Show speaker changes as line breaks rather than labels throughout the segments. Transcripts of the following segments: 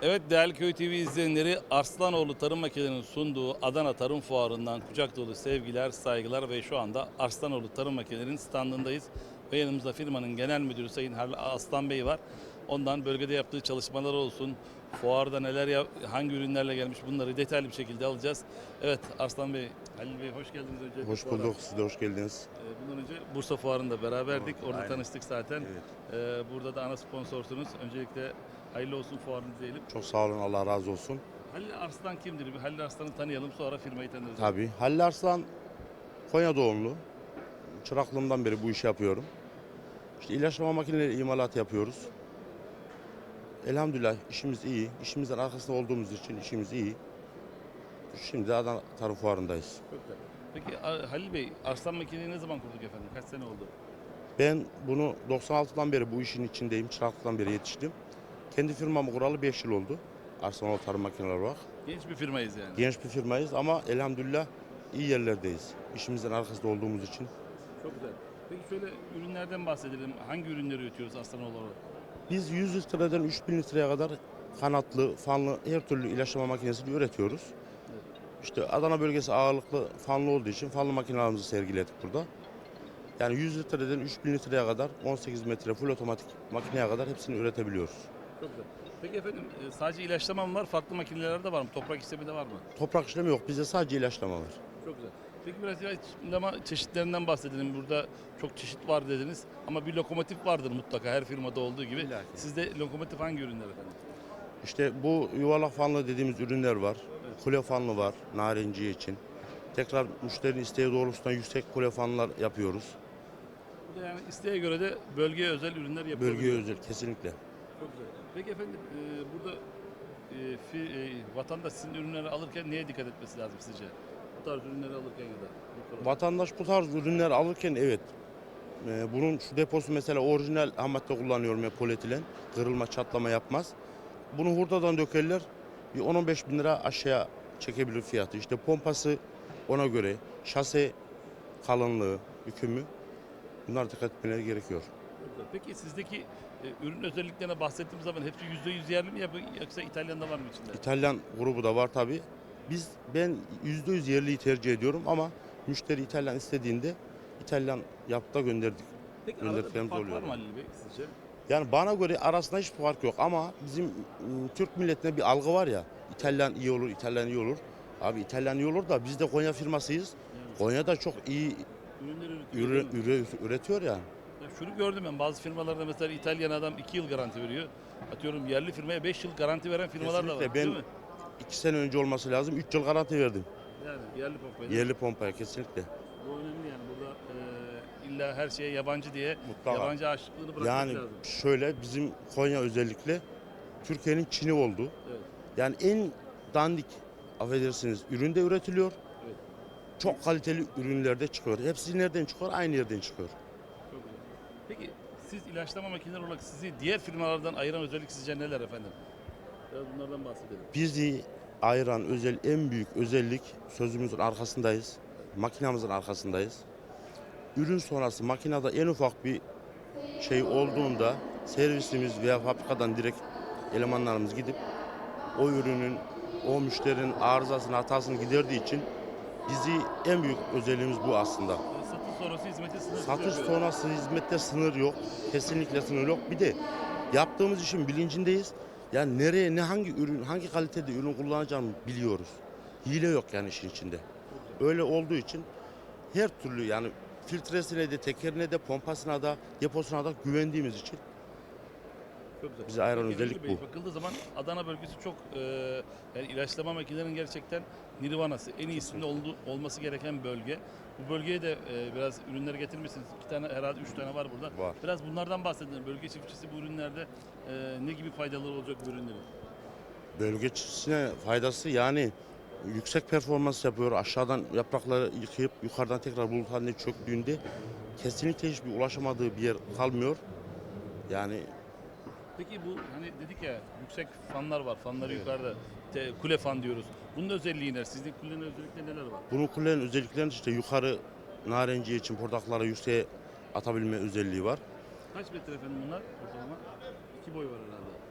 Evet değerli Köy TV izleyenleri, Arslanoğlu Tarım Makinelerinin sunduğu Adana Tarım Fuarı'ndan kucak dolu sevgiler, saygılar ve şu anda Arslanoğlu Tarım Makinelerinin standındayız. Ve yanımızda firmanın genel müdürü Sayın Halil Aslan Bey var. Ondan bölgede yaptığı çalışmalar olsun, fuarda hangi ürünlerle gelmiş bunları detaylı bir şekilde alacağız. Evet Arslan Bey, Halil Bey hoş geldiniz öncelikle
Hoş
fuara.
bulduk. Siz de hoş geldiniz.
Bundan önce Bursa Fuarı'nda beraberdik.
Doğru,
Orada
aynen.
tanıştık zaten.
Evet.
Burada da ana sponsorsunuz. Öncelikle hayırlı olsun fuarınız diyelim.
Çok sağ olun. Allah razı olsun.
Halil Arslan kimdir? Bir Halil Arslan'ı tanıyalım, sonra firmayı tanırız.
Tabii. Halil Arslan Konya doğumlu. Çıraklığımdan beri bu işi yapıyorum. İşte ilaçlama makineleri imalat yapıyoruz. Elhamdülillah işimiz iyi. İşimizin arkasında olduğumuz için işimiz iyi. Şimdi de Adana Tarım Fuarı'ndayız.
Çok güzel. Peki Halil Bey, Arslan makineyi ne zaman kurduk efendim? Kaç sene oldu?
Ben bunu 96'dan beri bu işin içindeyim. Çıraklıktan beri yetiştim. Kendi firmamı kuralı 5 yıl oldu. Arslanoğlu Tarım Makineleri olarak.
Genç bir firmayız yani.
Genç bir firmayız ama elhamdülillah iyi yerlerdeyiz. İşimizin arkasında olduğumuz için.
Çok güzel. Peki şöyle ürünlerden bahsedelim. Hangi ürünleri üretiyoruz Arslanoğlu olarak?
Biz 100 litreden 3000 litreye kadar kanatlı, fanlı her türlü ilaçlama makinesini üretiyoruz. İşte Adana bölgesi ağırlıklı fanlı olduğu için fanlı makinelerimizi sergiledik burada. Yani 100 litreden 3000 litreye kadar 18 metre full otomatik makineye kadar hepsini üretebiliyoruz.
Çok güzel. Peki efendim sadece ilaçlama mı var? Farklı makineler de var mı? Toprak işlemi de var mı?
Toprak işlemi yok. Bizde sadece ilaçlama var.
Çok güzel. Peki biraz ilaçlama çeşitlerinden bahsedelim. Burada çok çeşit var dediniz. Ama bir lokomotif vardır mutlaka her firmada olduğu gibi.
İlla ki.
Sizde lokomotif hangi ürünler efendim?
İşte bu yuvarlak fanlı dediğimiz ürünler var. Kule fanlı var narenciye için. Tekrar müşterinin isteği doğrultusunda yüksek kule fanlar yapıyoruz.
Bu da yani isteğe göre de bölgeye özel ürünler yapılıyor.
Bölgeye özel kesinlikle.
Çok güzel. Peki efendim burada vatandaş sizin ürünleri alırken neye dikkat etmesi lazım sizce? Bu tarz ürünleri alırken ya da. bu konuda.
Vatandaş bu tarz ürünler alırken evet. Bunun şu deposu mesela orijinal ham madde kullanıyorum ya polietilen. Kırılma çatlama yapmaz. Bunu hurdadan dökerler. Bir 10-15 bin lira aşağıya çekebilir fiyatı. İşte pompası ona göre. Şase kalınlığı, bükümü. Bunlar dikkat etmeleri gerekiyor.
Çok güzel. Peki sizdeki ürün özelliklerine bahsettiğimiz zaman hepsi %100 yerli mi yoksa İtalyan'da var mı içinde?
İtalyan grubu da var tabi. Ben %100 yerliyi tercih ediyorum ama müşteri İtalyan istediğinde İtalyan yapıp da gönderdik.
Peki arada bir
Gönderdiklerimiz
fark var
oluyor.
mı Halil Bey sizce?
Yani bana göre arasında hiç fark yok ama bizim Türk milletine bir algı var ya. İtalyan iyi olur, İtalyan iyi olur. Abi İtalyan iyi olur da biz de Konya firmasıyız.
Yani
Konya'da çok iyi
ürünleri üretiyor. değil mi?
üretiyor yani.
Ya şunu gördüm ben bazı firmalarda mesela İtalyan adam 2 yıl garanti veriyor. Atıyorum yerli firmaya 5 yıl garanti veren firmalar da var.
Kesinlikle
Değil
ben
mi?
2 sene önce olması lazım. 3 yıl garanti verdim.
Yani yerli pompayı.
Yerli pompaya kesinlikle.
Bu önemli yani burada illa her şeye yabancı diye
Mutlaka.
yabancı aşıklığını bırakmak
Yani
lazım.
şöyle bizim Konya özellikle Türkiye'nin Çin'i oldu.
Evet.
Yani en dandik affedersiniz üründe üretiliyor.
Evet.
Çok kaliteli ürünlerde çıkıyor. Hepsi nereden çıkıyor? Aynı yerden çıkıyor.
Çok güzel. Peki siz ilaçlama makineleri olarak sizi diğer firmalardan ayıran özellik sizce neler efendim? Biraz bunlardan bahsedelim.
Bizi ayıran en büyük özellik sözümüzün arkasındayız. Makinamızın arkasındayız. Ürün sonrası makinede en ufak bir şey olduğunda servisimiz veya fabrikadan direkt elemanlarımız gidip o ürünün, o müşterinin arızasını, hatasını giderdiği için en büyük özelliğimiz bu aslında.
Satış sonrası hizmeti sınırsız
Satış
yapıyoruz.
sonrası hizmette sınır yok. Kesinlikle sınır yok. Bir de yaptığımız işin bilincindeyiz. Yani nereye, hangi ürün, hangi kalitede ürün kullanacağımı biliyoruz. Hile yok yani işin içinde. Öyle olduğu için her türlü yani filtresine de, tekerine de, pompasına da, deposuna da güvendiğimiz için
Çok güzel.
bizi ayıran
Peki,
özellik
Halil Bey,
bu.
bakıldığı zaman Adana bölgesi çok yani ilaçlama makinelerinin gerçekten nirvanası, en iyisinde olması gereken bölge. Bu bölgeye de biraz ürünleri getirmişsiniz. 2 tane herhalde 3 tane var burada.
Var.
Biraz bunlardan bahsedelim. Bölge çiftçisi bu ürünlerde ne gibi faydaları olacak bu ürünlerin?
Bölge çiftçisine faydası yani yüksek performans yapıyor. Aşağıdan yaprakları yıkayıp yukarıdan tekrar bulut haline çöktüğünde kesinlikle hiçbir ulaşamadığı bir yer kalmıyor. Yani
Peki bu hani dedik ya yüksek fanlar var. Fanları yukarıda kule fan diyoruz. Bunun özelliği ne? Sizin kulenin özellikleri neler var?
bunun kulenin özelliklerinde işte yukarı narenciye için portakalları yükseğe atabilme özelliği var.
Kaç metre efendim bunlar ortalama? 2 boy var herhalde.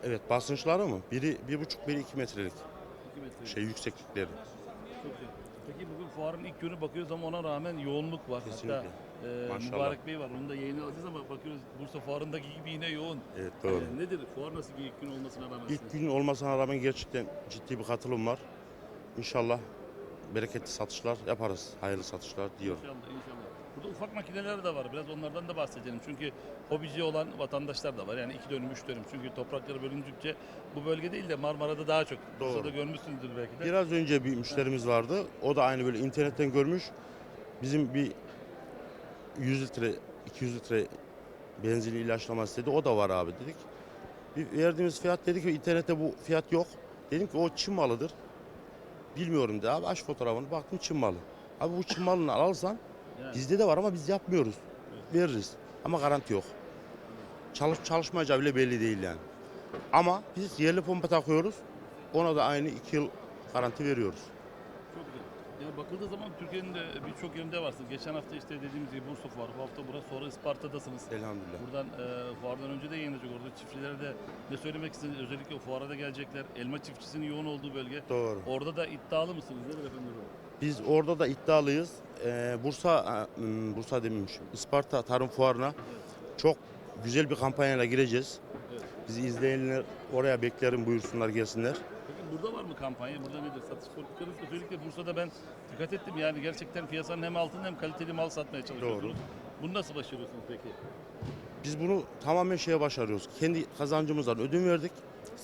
Evet, basınçları mı? Biri 1,5, biri 2 metrelik
2 metre.
yükseklikleri.
Çok güzel. Peki bugün fuarın ilk günü bakıyoruz ama ona rağmen yoğunluk var.
Kesinlikle.
Hatta
Maşallah.
Mübarek Bey var. Onu da yayına alacağız ama bakıyoruz Bursa fuarındaki gibi yine yoğun.
Evet, doğru.
Nedir? Fuar nasıl bir ilk gün olmasına rağmen?
İlk gün olmasına rağmen gerçekten ciddi bir katılım var. İnşallah bereketli satışlar yaparız. Hayırlı satışlar diyorum.
İnşallah, inşallah. Burada ufak makineler de var. Biraz onlardan da bahsedelim. Çünkü hobici olan vatandaşlar da var. Yani 2 dönüm, 3 dönüm. Çünkü toprakları bölündükçe bu bölge değil de Marmara'da daha çok.
Doğru.
Bursa'da görmüşsündür belki de.
Biraz önce bir müşterimiz vardı. O da aynı böyle internetten görmüş. Bizim bir 100 litre, 200 litre benzin ilaçlama istedi. O da var abi dedik. Bir verdiğimiz fiyat dedik ki internette bu fiyat yok. Dedim ki o Çin malıdır. Bilmiyorum dedi abi, aç fotoğrafını, baktım Çin malı. Abi bu Çin malını alırsan
Yani,
bizde de var ama biz yapmıyoruz. Veririz ama garanti yok. Çalışmayacağı bile belli değil yani. Ama biz yerli pompa takıyoruz. Ona da aynı 2 yıl garanti veriyoruz.
çok güzel. Yani bakıldığı zaman Türkiye'nin de birçok yerinde varsınız. Geçen hafta işte dediğimiz gibi Bursa fuarı, bu hafta burası, sonra Isparta'dasınız.
Elhamdülillah.
Buradan fuardan önce de yayınlanacak. Orada çiftçilere de ne söylemek istediniz? Özellikle o fuara da gelecekler. Elma çiftçisinin yoğun olduğu bölge.
Doğru.
Orada da iddialı mısınız? Nedir efendim?
Biz orada da iddialıyız. Bursa demişim. Isparta Tarım Fuarı'na çok güzel bir kampanyayla gireceğiz.
Evet.
Bizi izleyenler oraya beklerim, buyursunlar gelsinler.
Peki burada var mı kampanya? Burada nedir? Satış politikanız? Özellikle Bursa'da ben dikkat ettim. Yani gerçekten piyasanın hem altında hem kaliteli mal satmaya çalışıyorsunuz.
Doğru.
Bunu nasıl başarıyorsunuz peki?
Biz bunu tamamen başarıyoruz. Kendi kazancımızdan ödün verdik.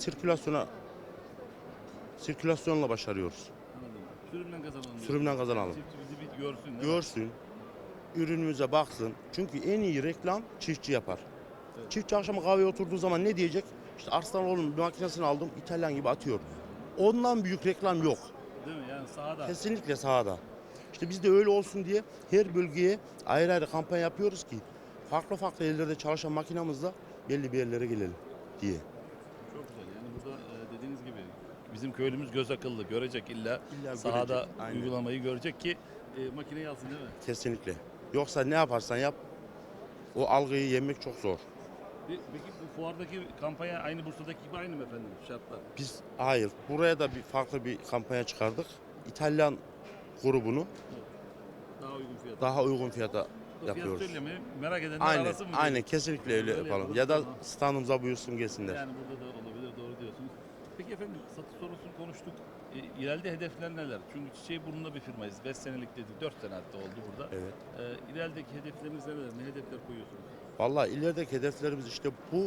Sirkülasyonla başarıyoruz.
Anladım. Sürümden kazanalım.
Sürümden kazanalım.
Çiftçi bizi bir görsün. değil mi?
Görsün, ürünümüze baksın. Çünkü en iyi reklam çiftçi yapar.
Evet.
Çiftçi akşama kahveye oturduğu zaman ne diyecek? İşte Arslanoğlu'nun bir makinesini aldım, İtalyan gibi atıyor. Ondan büyük reklam yok.
Değil mi? Yani sahada.
Kesinlikle sahada. İşte biz de öyle olsun diye her bölgeye ayrı ayrı kampanya yapıyoruz ki farklı farklı yerlerde çalışan makinamızla belli bir yerlere gelelim diye.
Çok güzel. Yani burada dediğiniz gibi bizim köylümüz göz akıllı görecek illa
İlla
sahada
görecek, aynen.
uygulamayı görecek ki makineyi alsın değil mi?
Kesinlikle. Yoksa ne yaparsan yap o algıyı yenmek çok zor.
Peki bu fuardaki kampanya aynı Bursa'daki gibi aynı mı efendim şartlar?
Biz hayır, buraya da bir farklı bir kampanya çıkardık. İtalyan grubunu
Daha uygun fiyat.
daha uygun fiyata
Fiyat
yapıyoruz.
söylemeyi merak edenler
Aynen,
arasın mı?
aynen
diyorsun?
kesinlikle öyle
Öyle
yapalım.
yapalım,
Ya da
tamam.
standımıza buyursun gelsinler.
Yani burada da olabilir, doğru diyorsunuz. Peki efendim satış sorusunu konuştuk. İleride hedefler neler? Çünkü çiçeği burnunda bir firmayız. 5 senelik dedik, 4 sene hatta oldu burada.
Evet.
İlerideki hedefleriniz neler? Ne hedefler koyuyorsunuz?
Vallahi ilerideki hedeflerimiz işte bu,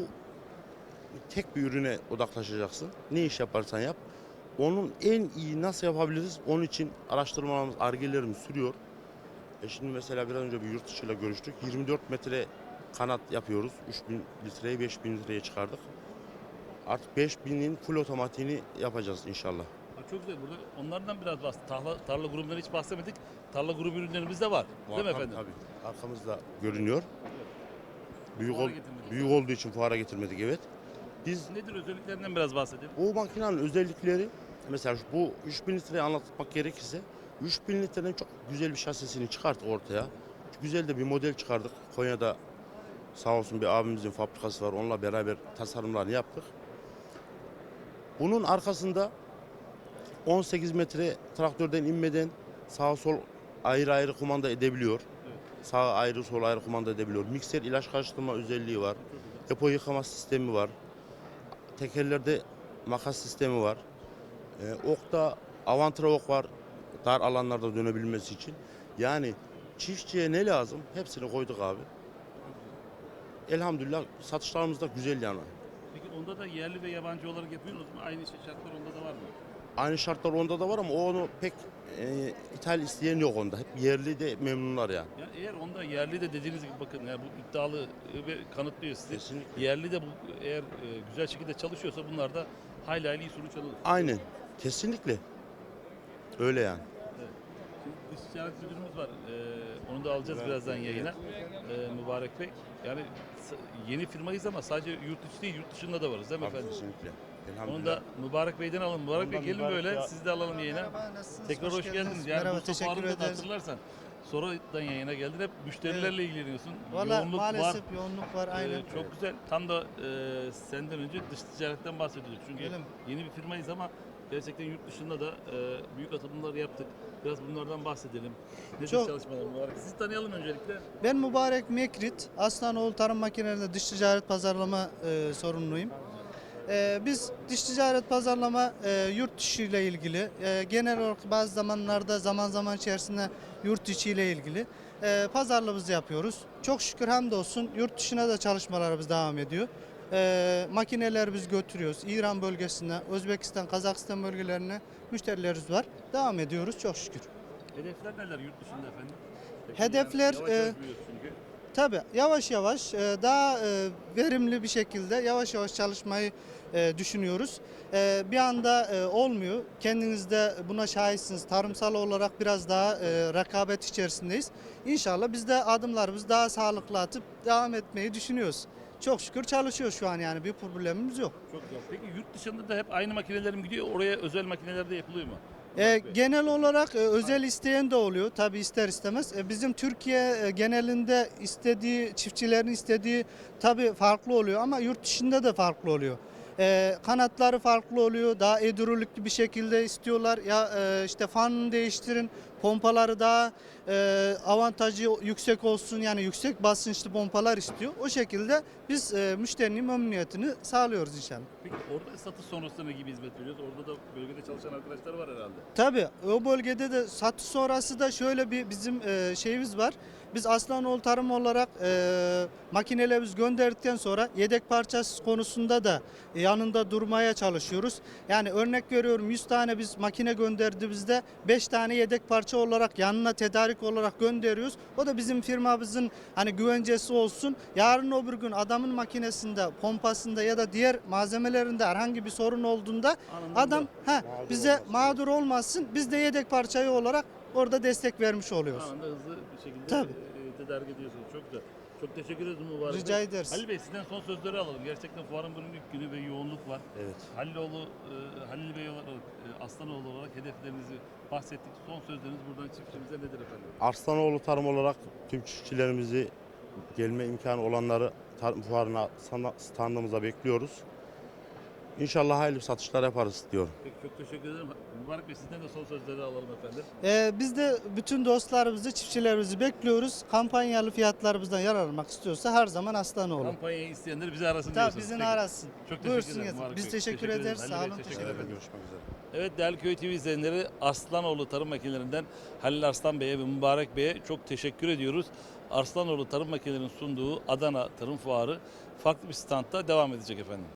tek bir ürüne odaklaşacaksın. Ne iş yaparsan yap. Onun en iyi nasıl yapabiliriz? Onun için araştırmalarımız, argelerimiz sürüyor. Şimdi mesela biraz önce bir yurt dışıyla görüştük. 24 metre kanat yapıyoruz. 3000 litreye 5000 litreye çıkardık. Artık 5000'in full otomatiğini yapacağız inşallah.
Ha, çok güzel. Burada onlardan biraz bahsettik. Tarla grubundan hiç bahsetmedik. Tarla grubu ürünlerimiz de var. Değil mi efendim?
Tabii. Arkamızda görünüyor. Büyük,
Fuara getirmedik.
büyük olduğu için fuara getirmedik, evet. Biz
Nedir özelliklerinden biraz bahsedelim.
bu makinenin özellikleri, mesela bu 3000 litreyi anlatmak gerekirse 3000 litrenin çok güzel bir şasisini çıkarttık ortaya. Güzel de bir model çıkardık. Konya'da sağ olsun bir abimizin fabrikası var. Onunla beraber tasarımlarını yaptık. Bunun arkasında 18 metre traktörden inmeden sağ sol ayrı ayrı kumanda edebiliyor.
Evet.
Sağ ayrı sol ayrı kumanda edebiliyor. Mikser ilaç karıştırma özelliği var. Depo yıkama sistemi var. Tekerlerde makas sistemi var. Okta avantra ok var. Dar alanlarda dönebilmesi için. Yani çiftçiye ne lazım? Hepsini koyduk abi. Elhamdülillah satışlarımız da güzel yani.
Peki onda da yerli ve yabancı olarak yapıyorsunuz mu? Aynı şartlar onda da var mı?
Aynı şartlar onda da var ama onu pek ithal isteyen yok onda. Hep yerli de memnunlar yani.
Ya eğer onda yerli de dediğiniz gibi bakın yani bu iddialı ve kanıtlıyor sizi.
Kesinlikle.
Yerli de bu eğer güzel şekilde çalışıyorsa bunlar da hayli hayli iyi sonuç alır.
Aynen. Kesinlikle. Öyle yani.
Şimdi dış ticaret müdürümüz var. Onu da alacağız birazdan yayına. Mübarek Bey. Yani yeni firmayız ama sadece yurt içi değil yurt dışında da varız değil mi
Tabii,
efendim?
kesinlikle.
Onu
Elhamdülillah.
da Mübarek Bey'den alalım. Mübarek Bey
Ondan
gelin
Mübarek
böyle
ya.
sizi de alalım yayına.
Merhaba, nasılsınız?
Tekrar hoş geldiniz. Yani
Merhaba,
Bursa
teşekkür
Fuarı'nda da
ederiz.
hatırlarsan sonradan yayına geldin. Hep müşterilerle ilgileniyorsun.
Valla
Yoğunluk
maalesef
var.
yoğunluk var aynen.
Çok güzel. Tam da senden önce dış ticaretten bahsediyorduk. Çünkü
Öyle mi?
yeni bir firmayız ama gerçekten yurt dışında da büyük atılımlar yaptık. Biraz bunlardan bahsedelim. Nedir
Çok-
çalışmalarımız var? Sizi tanıyalım öncelikle.
Ben Mübarek Mekrit, Aslanoğlu Tarım Makinelerinde dış ticaret pazarlama sorumluyum. Biz dış ticaret pazarlama yurt dışı ile ilgili, genel olarak bazı zamanlarda zaman içerisinde yurt içi ile ilgili pazarlığımızı yapıyoruz. Çok şükür hamdolsun yurt dışına da çalışmalarımız devam ediyor. Makineler biz götürüyoruz. İran bölgesine, Özbekistan, Kazakistan bölgelerine müşterilerimiz var. Devam ediyoruz çok şükür.
Hedefler neler yurt dışında efendim?
Hedefler,
Yavaş yavaş büyüyoruz çünkü.
Tabii yavaş yavaş daha verimli bir şekilde yavaş yavaş çalışmayı düşünüyoruz. Bir anda olmuyor. Kendiniz de buna şahitsiniz. Tarımsal olarak biraz daha rekabet içerisindeyiz. İnşallah biz de adımlarımızı daha sağlıklı atıp devam etmeyi düşünüyoruz. Çok şükür çalışıyoruz şu an yani bir problemimiz yok.
Çok güzel. Peki yurt dışında da hep aynı makineler mi gidiyor? Oraya özel makineler de yapılıyor mu?
Genel olarak özel isteyen de oluyor tabi ister istemez. Bizim Türkiye genelinde istediği çiftçilerin istediği tabi farklı oluyor ama yurt dışında da farklı oluyor. Kanatları farklı oluyor. Daha hidrolikli bir şekilde istiyorlar. Ya işte fanını değiştirin. Pompaları daha avantajı yüksek olsun. Yani yüksek basınçlı pompalar istiyor. O şekilde biz müşterinin memnuniyetini sağlıyoruz inşallah.
Peki orada satış sonrasında ne gibi hizmet veriyoruz? Orada da bölgede çalışan arkadaşlar var herhalde.
Tabii o bölgede de satış sonrası da şöyle bir bizim şeyimiz var. Biz Aslanoğlu Tarım olarak makinelerimizi gönderdikten sonra yedek parçası konusunda da yanında durmaya çalışıyoruz. Yani örnek veriyorum 100 tane biz makine gönderdiğimizde 5 tane yedek parça olarak yanına tedarik olarak gönderiyoruz. O da bizim firmamızın hani güvencesi olsun. Yarın öbür gün adamın makinesinde, pompasında ya da diğer malzemelerinde herhangi bir sorun olduğunda
Anında
adam bize
olmasın.
mağdur olmasın. Biz de yedek parçayı olarak orada destek vermiş oluyoruz.
Anında hızlı bir şekilde
Tabii.
tedarik ediyorsunuz. Çok güzel. Çok teşekkür ederiz Mübarek
Rica
Bey.
ederiz.
Halil Bey sizden son sözleri alalım. Gerçekten fuarın bugün ilk günü ve yoğunluk var.
Evet.
Halil Bey olarak, Aslanoğlu olarak hedeflerinizi bahsettik. Son sözleriniz buradan çiftçimize nedir efendim?
Arslanoğlu Tarım olarak tüm çiftçilerimizi gelme imkanı olanları tarım fuarına standımıza bekliyoruz. İnşallah hayırlı satışlar yaparız diyorum.
Peki çok teşekkür ederim. Mübarek Bey sizden de son sözleri alalım efendim.
Biz de bütün dostlarımızı, çiftçilerimizi bekliyoruz. Kampanyalı fiyatlarımızdan yararlanmak istiyorsa her zaman Aslanoğlu.
Kampanyayı isteyenler bizi arasın
Tabii
diyorsunuz.
bizim
Peki.
arasın.
Çok teşekkür
Buyursun
ederim
yazın.
Mübarek
Biz
Bey.
teşekkür ederiz.
Halil
Sağ
Bey,
olun.
teşekkür ederim.
Görüşmek üzere.
Evet değerli Köy TV izleyenleri Arslanoğlu Tarım Makinelerinden Halil Arslan Bey'e ve Mübarek Bey'e çok teşekkür ediyoruz. Arslanoğlu Tarım Makinelerinin sunduğu Adana Tarım Fuarı farklı bir standta devam edecek efendim.